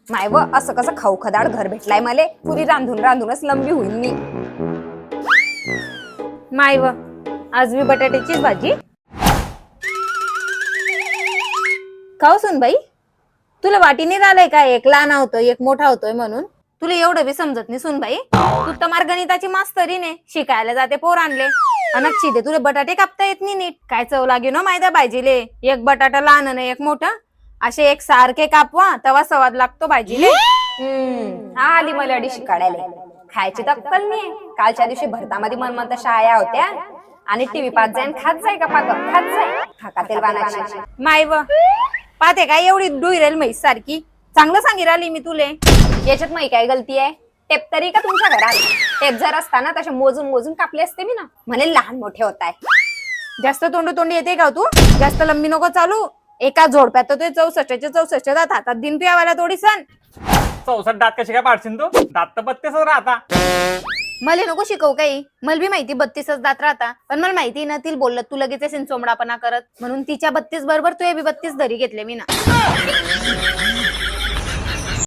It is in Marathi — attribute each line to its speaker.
Speaker 1: माय व असं कसं खाऊ खदाड घर भेटलाय मले, पुरी रांधून रांधूनच लंबी होईल मी.
Speaker 2: माय व आज मी बटाट्याचीच भाजी. खाऊ सुन बाई, तुला वाटीने आलंय का एक लहान होतोय एक मोठा होतोय म्हणून? तुला एवढं बी समजत नाही सुन बाई. तू तर मार गणिताची मास्तरीने शिकायला जाते पोर आणले अनक्षी दे तुला बटाटे कापता येत नाही नीट. काय चव लागे ना मायदा भाजीले, एक बटाटा लहान आणि एक मोठा असे एक सारखे कापवा तेव्हा स्वाद लागतो भाजीले.
Speaker 1: आली मला अडी शिकाडायला. खायची तर अक्कल नाही. कालच्या दिवशी भरतामध्ये मनमंत शाळा होत्या आणि टीव्ही पाहत जाईन खात जाय का पाक खात जाय थाकातील वानाची.
Speaker 2: माय व पाहते काय एवढी डुईरेल म्हैस सारखी. चांगलं सांगी राहिली मी तुले.
Speaker 1: याच्यात माही काय गलती आहे? टेप तरी का तुमच्या घरात? टेप जर असताना तसे मोजून मोजून कापले असते मी ना. म्हणे लहान मोठे होत आहे.
Speaker 2: जास्त तोंडी येते का तू? जास्त लंबी नको चालू. एका झोडप्यात तर 64 दात हातात दिन तू यावाला थोडी सण.
Speaker 3: 64 दात कशी काय पाडशील तू? दात तर 32च राहता.
Speaker 2: मला नको शिकवू काही. मला बी माहिती 32च दात राहता, पण मला माहिती ना तिला बोललं तू लगेच असेल चोमडापणा करत, म्हणून तिच्या 32 बरोबर तू बी 32 धरी घेतले मी ना.